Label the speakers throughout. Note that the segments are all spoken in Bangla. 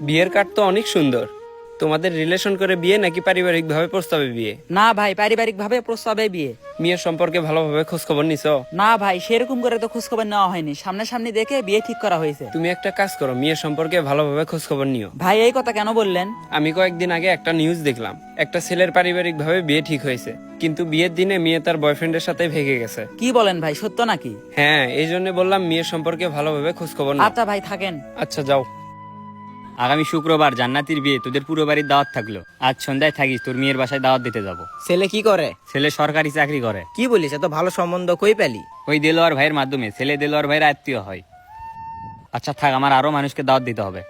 Speaker 1: বিয়ের কার্ড তো অনেক সুন্দর। তোমাদের রিলেশন করে বিয়ে নাকি পারিবারিক ভাবে প্রস্তাবে বিয়ে?
Speaker 2: না ভাই, পারিবারিক ভাবে প্রস্তাবে বিয়ে।
Speaker 1: মেয়ের সম্পর্কে ভালোভাবে খোঁজ খবর নিছো?
Speaker 2: না ভাই, সেরকম করে তো খোঁজ খবর নেওয়া হয়নি, সামনাসামনি দেখে বিয়ে ঠিক করা হয়েছে।
Speaker 1: তুমি একটা কাজ করো, মেয়ের সম্পর্কে ভালোভাবে খোঁজ খবর নিও।
Speaker 2: ভাই এই কথা কেন বললেন?
Speaker 1: আমি কয়েকদিন আগে একটা নিউজ দেখলাম, একটা ছেলের পারিবারিক ভাবে বিয়ে ঠিক হয়েছে, কিন্তু বিয়ের দিনে মেয়ে তার বয়ফ্রেন্ডের সাথে ভেগে গেছে।
Speaker 2: কি বলেন ভাই, সত্য নাকি?
Speaker 1: হ্যাঁ, এই জন্য বললাম মেয়ের সম্পর্কে ভালোভাবে খোঁজ খবর নাও।
Speaker 2: আচ্ছা ভাই, থাকেন।
Speaker 1: আচ্ছা যাও।
Speaker 3: আগামী শুক্রবার জান্নাতির বিয়ে, তোদের পুরো বাড়ির দাওয়াত থাকলো। আজ সন্ধ্যায় থাকিস, তোর মেয়ের বাসায় দাওয়াত দিতে যাব।
Speaker 4: ছেলে কি করে?
Speaker 3: ছেলে সরকারি চাকরি করে।
Speaker 4: কি বলিস, এত ভালো সম্বন্ধ কই পেলি?
Speaker 3: ওই দেলোয়ার ভাইয়ের মাধ্যমে। ছেলে দেলোয়ার ভাইয়ের আত্মীয় হয়। আচ্ছা থাক, আমার আরো মানুষকে দাওয়াত দিতে হবে।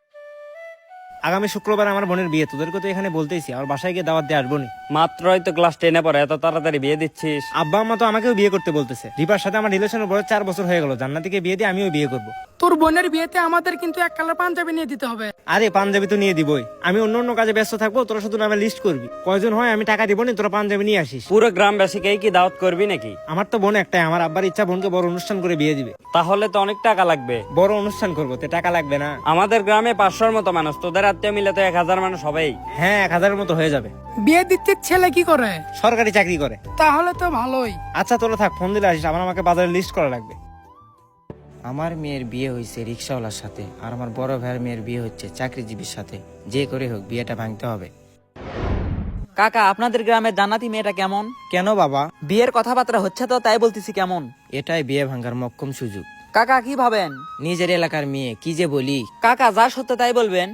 Speaker 5: আগামী শুক্রবার আমার বোনের বিয়ে, তোদেরকে তো এখানে বলতেইছি, আমার বাসায় গিয়ে দাওয়াত দিয়ে আসবো নি।
Speaker 3: মাত্রই তো ক্লাস 10-এ পড়ে, এত তাড়াতাড়ি বিয়ে দিচ্ছিস?
Speaker 5: আব্বা আম্মা তো আমাকেও বিয়ে করতে বলতেছে। রিপার সাথে আমার রিলেশনের বয়স 4 বছর হয়ে গেল, জান্নাতিকে বিয়ে দিয়ে আমিও বিয়ে করব।
Speaker 6: তোর বোনের বিয়েতে আমাদের কিন্তু এক কালার পাঞ্জাবি নিয়ে দিতে হবে।
Speaker 5: আরে পাঞ্জাবি তো নিয়ে দিবই, আমি অন্য অন্য কাজে ব্যস্ত থাকবো, তোরা শুধু নামে লিস্ট করবি, কয়জন হয় আমি টাকা দিব নি, তোরা পাঞ্জাবি নিয়ে আসিস।
Speaker 3: পুরো গ্রামবাসীকেই কি দাওয়াত করবি নাকি?
Speaker 5: আমার তো বোন একটাই, আমার আব্বার ইচ্ছা বোনকে বড় অনুষ্ঠান করে বিয়ে দিবে।
Speaker 3: তাহলে তো অনেক টাকা লাগবে।
Speaker 5: বড় অনুষ্ঠান করবো, তে টাকা লাগবে না?
Speaker 3: আমাদের গ্রামে 500-র মতো মানুষ, তোদের আত্মীয় মিলে তো 1000 মানুষ হবেই।
Speaker 5: হ্যাঁ, 1000-এর মতো হয়ে যাবে।
Speaker 6: বিয়ে দিচ্ছে ছেলে কি করে?
Speaker 5: সরকারি চাকরি করে।
Speaker 6: তাহলে তো ভালোই।
Speaker 5: আচ্ছা তোরা থাক, ফোন দিলে আসিস, আবার আমাকে বাজারে লিস্ট করা লাগবে।
Speaker 4: আমার মেয়ের বিয়ে হয়েছে রিক্সাওয়ালার সাথে, আর আমার বড় ভাইয়ের মেয়ের বিয়ে হচ্ছে চাকরিজীবীর সাথে। যে করে হোক বিয়েটা ভাঙতে হবে।
Speaker 2: কাকা, আপনাদের গ্রামের জান্নাতি মেয়েটা কেমন?
Speaker 4: কেন বাবা?
Speaker 2: বিয়ের কথাবার্তা হচ্ছে তো, তাই বলতেছি কেমন।
Speaker 4: এটাই বিয়ে ভাঙার মক্কম সুযোগ।
Speaker 2: কাকা কি ভাবেন?
Speaker 4: নিজের এলাকার মেয়ে, কি যে বলি।
Speaker 2: কাকা যা সত্য তাই বলবেন।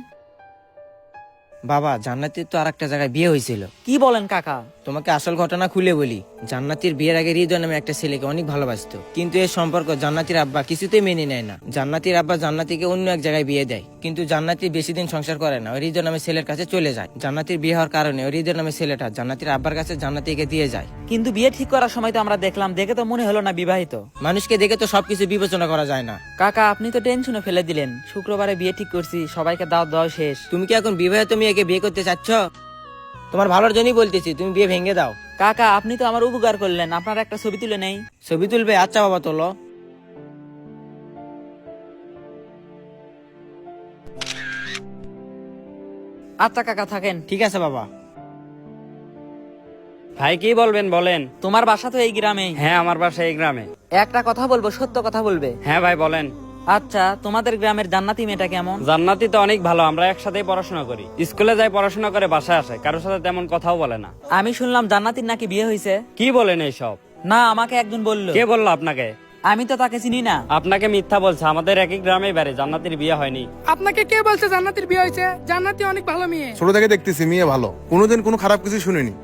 Speaker 4: বাবা, জান্নাতির তো আরেকটা জায়গায় বিয়ে হয়েছিল।
Speaker 2: কি বলেন কাকা?
Speaker 4: তোমাকে আসল ঘটনা খুলে বলি। জান্নাতির বিয়ের আগে হৃদয় নামে একটা ছেলেকে অনেক ভালোবাসতো, কিন্তু এই সম্পর্ক জান্নাতির আব্বা কিছুতেই মেনে নেয় না। জান্নাতির আব্বা জান্নাতিকে অন্য এক জায়গায় বিয়ে দেয়, কিন্তু জান্নাতি বেশি দিন সংসার করে না, ওই হৃদয় নামে ছেলের কাছে চলে যায়। জান্নাতির বিয়ে হওয়ার কারণে ওই হৃদয় নামে ছেলেটা জান্নাতির আব্বার কাছে জান্নাতিকে দিয়ে যায়।
Speaker 2: কিন্তু বিয়ে ঠিক করার সময় তো আমরা দেখলাম, দেখে তো মনে হলো না বিবাহিত।
Speaker 4: মানুষকে দেখে তো সবকিছু বিবেচনা করা যায় না।
Speaker 2: কাকা আপনি তো টেনশনে ফেলে দিলেন। শুক্রবারে বিয়ে ঠিক করছি, সবাইকে দাওয়াত দেওয়া শেষ।
Speaker 4: তুমি কি এখন বিবাহিত মেয়েকে বিয়ে করতে চাচ্ছ? তোমার ভালোর জন্যই বলতেছি, তুমি বিয়ে ভেঙে দাও।
Speaker 2: কাকা আপনি তো আমার উপকার করলেন, আপনার একটা ছবি তুলে নেই।
Speaker 4: ছবি তুলবে? আচ্ছা বাবা, তোলো।
Speaker 2: আচ্ছা কাকা, থাকেন।
Speaker 4: ঠিক আছে বাবা।
Speaker 3: ভাই কি বলবেন বলেন।
Speaker 2: তোমার বাসা তো এই গ্রামে?
Speaker 3: হ্যাঁ, আমার বাসা এই গ্রামে।
Speaker 2: একটা কথা বলবো, সত্য কথা বলবে?
Speaker 3: হ্যাঁ ভাই বলেন।
Speaker 2: আচ্ছা, তোমাদের গ্রামের জান্নাতি মেয়েটা কেমন?
Speaker 3: জান্নাতি তো অনেক ভালো, আমরা একসাথেই পড়াশোনা করি। স্কুলে যাই, পড়াশোনা করে বাসায় আসে, কারোর সাথে তেমন কথাও বলে না।
Speaker 2: আমি শুনলাম জান্নাতির নাকি বিয়ে হয়েছে।
Speaker 3: কি বলেন এইসব?
Speaker 2: না, আমাকে একজন বললো।
Speaker 3: কে বললো আপনাকে?
Speaker 2: আমি তো তাকে চিনি না।
Speaker 3: আপনাকে মিথ্যা বলছে, আমাদের একই গ্রামেই বাড়ি, জান্নাতির বিয়ে হয়নি।
Speaker 6: আপনাকে কে বলছে জান্নাতির বিয়ে হয়েছে? জান্নাতি অনেক ভালো মেয়ে।
Speaker 7: ছোট থেকে দেখতেছি মেয়ে ভালো, কোনোদিন কোনো খারাপ কিছু শুনিনি।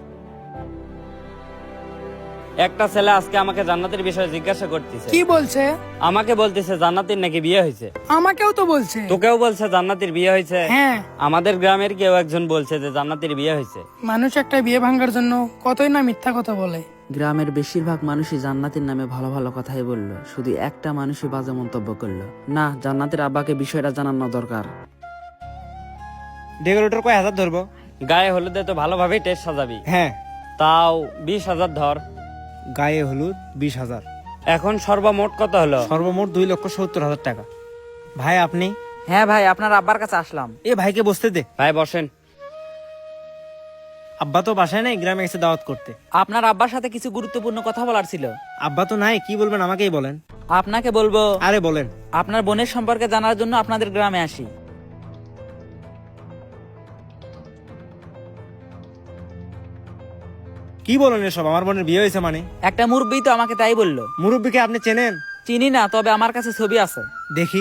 Speaker 3: একটা ছেলে আজকে আমাকে জান্নাতের বিষয়ে জিজ্ঞাসা করতেছে।
Speaker 6: কি বলছে?
Speaker 3: আমাকে বলতেছে জান্নাতির নাকি বিয়ে হয়েছে।
Speaker 6: আমাকেও তো বলছে।
Speaker 3: তোকেও বলছে জান্নাতির বিয়ে হয়েছে?
Speaker 6: হ্যাঁ।
Speaker 3: আমাদের গ্রামের কেউ একজন বলছে যে জান্নাতির বিয়ে হয়েছে।
Speaker 6: মানুষ একটা বিয়ে ভাঙার জন্য কতই না মিথ্যা কথা বলে।
Speaker 2: গ্রামের বেশিরভাগ মানুষই জান্নাতের নামে ভালো ভালো কথাই বললো, শুধু একটা মানুষই বাজে মন্তব্য করলো। না, জান্নাতের আব্বাকে বিষয়টা জানানো দরকার।
Speaker 5: ডেকোরেটর কয় হাজার ধরবো?
Speaker 3: গায়ে হলুদে তো ভালোভাবেই টেস্ট সাজাবি।
Speaker 5: হ্যাঁ।
Speaker 3: তাও 20,000 ধর।
Speaker 5: গায়ে হলুদ 20,000।
Speaker 3: এখন সর্বমোট কত হলো?
Speaker 5: সর্বমোট 2,70,000 টাকা। ভাই আপনি?
Speaker 2: হ্যাঁ ভাই, আপনার আব্বার কাছে আসলাম।
Speaker 5: এ ভাইকে বসতে দে।
Speaker 3: ভাই বসেন।
Speaker 5: আব্বা তো বাসায় নেই, গ্রামে গেছে দাওয়াত করতে।
Speaker 2: আপনার আব্বার সাথে কিছু গুরুত্বপূর্ণ কথা বলার ছিল।
Speaker 5: আব্বা তো নাই, কি বলবেন আমাকেই বলেন।
Speaker 2: আপনাকে বলবো,
Speaker 5: আরে বলেন।
Speaker 2: আপনার বোনের সম্পর্কে জানার জন্য আপনাদের গ্রামে আসি।
Speaker 5: কি বলেন এসব? আমার বোনের বিয়ে হয়েছে মানে?
Speaker 2: একটা মুরব্বী তো আমাকে তাই বললো।
Speaker 5: মুরব্বীকে আপনি চেনেন?
Speaker 2: চিনি না, তবে আমার কাছে ছবি আছে।
Speaker 5: দেখি।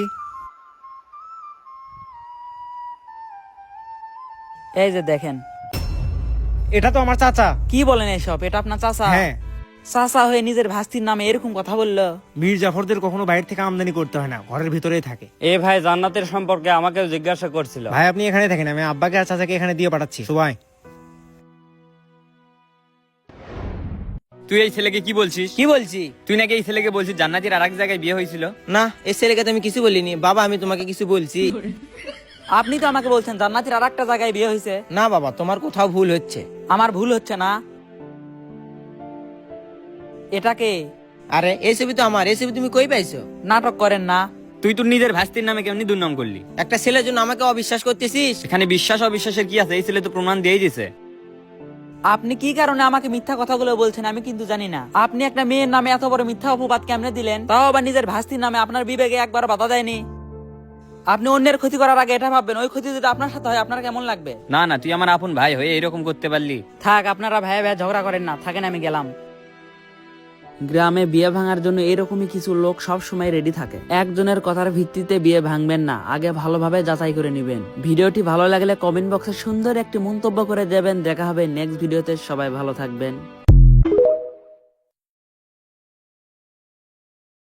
Speaker 2: এই যে দেখেন।
Speaker 5: এটা তো আমার চাচা।
Speaker 2: কি বলেন এসব? এটা আপনার চাচা?
Speaker 5: হ্যাঁ।
Speaker 2: চাচা হয়ে নিজের ভাস্তির নামে এরকম কথা বললো?
Speaker 5: মীর জাফরদের কখনো বাইরে থেকে আমদানি করতে হয় না, ঘরের ভিতরেই থাকে।
Speaker 3: এ ভাই জান্নাতের সম্পর্কে আমাকেও জিজ্ঞাসা করছিল।
Speaker 5: ভাই আপনি এখানে থাকেন, আমি আব্বাকে আর চাচাকে এখানে দিয়ে পাঠাচ্ছি। সবাই
Speaker 1: তুই এই ছেলেকে কি বলছিস?
Speaker 4: কি বলছি?
Speaker 1: তুই নাকি এই ছেলেকে বলছিস জান্নাতির আরেক জায়গায় বিয়ে হয়েছিল?
Speaker 4: না, এই ছেলেকে তো আমি কিছু বলিনি বাবা, আমি তোমাকে কিছু বলছি।
Speaker 2: আপনি তো আমাকে বলছেন জান্নাতির আর একটা জায়গায় বিয়ে হয়েছে।
Speaker 4: না বাবা, তোমার কোথাও ভুল হচ্ছে।
Speaker 2: আমার ভুল হচ্ছে না? এটাকে
Speaker 4: আরে এই ছবি তো আমার, এই ছবি তুমি কই পাইছো?
Speaker 2: নাটক করেন না।
Speaker 3: তুই তোর নিজের ভাস্তির নামে কেমনি দুর্নাম করলি?
Speaker 4: একটা ছেলের জন্য আমাকে অবিশ্বাস করতেছিস?
Speaker 3: এখানে বিশ্বাস অবিশ্বাসের কি আছে? এই ছেলে তো প্রমাণ দিয়েই দিছে।
Speaker 2: আপনি কি কারণে আমাকে মিথ্যা কথাগুলো বলছেন আমি কিন্তু জানি না। আপনি একটা মেয়ের নামে এত বড় মিথ্যা অপবাদ কেমনে দিলেন, তাও আবার নিজের ভাস্তির নামে? আপনার বিবেকে একবার বাধা দেয়নি? আপনি অন্যের ক্ষতি করার আগে এটা ভাববেন, ওই ক্ষতি যদি আপনার সাথে হয় আপনার কেমন লাগবে?
Speaker 3: না না, তুই আমার আপন ভাই হয়ে এরকম করতে পারলি?
Speaker 2: থাক, আপনারা ভাই ভাই ঝগড়া করেন না, থাকেন, আমি গেলাম। গ্রামে বিয়ে ভাঙার জন্য এরকমই কিছু লোক সব সময় রেডি থাকে। একজনের কথার ভিত্তিতে বিয়ে ভাঙবেন না, আগে ভালোভাবে যাচাই করে নেবেন। ভিডিওটি ভালো লাগলে কমেন্ট বক্সে সুন্দর একটি মন্তব্য করে দেবেন। দেখা হবে নেক্সট ভিডিওতে, সবাই ভালো থাকবেন।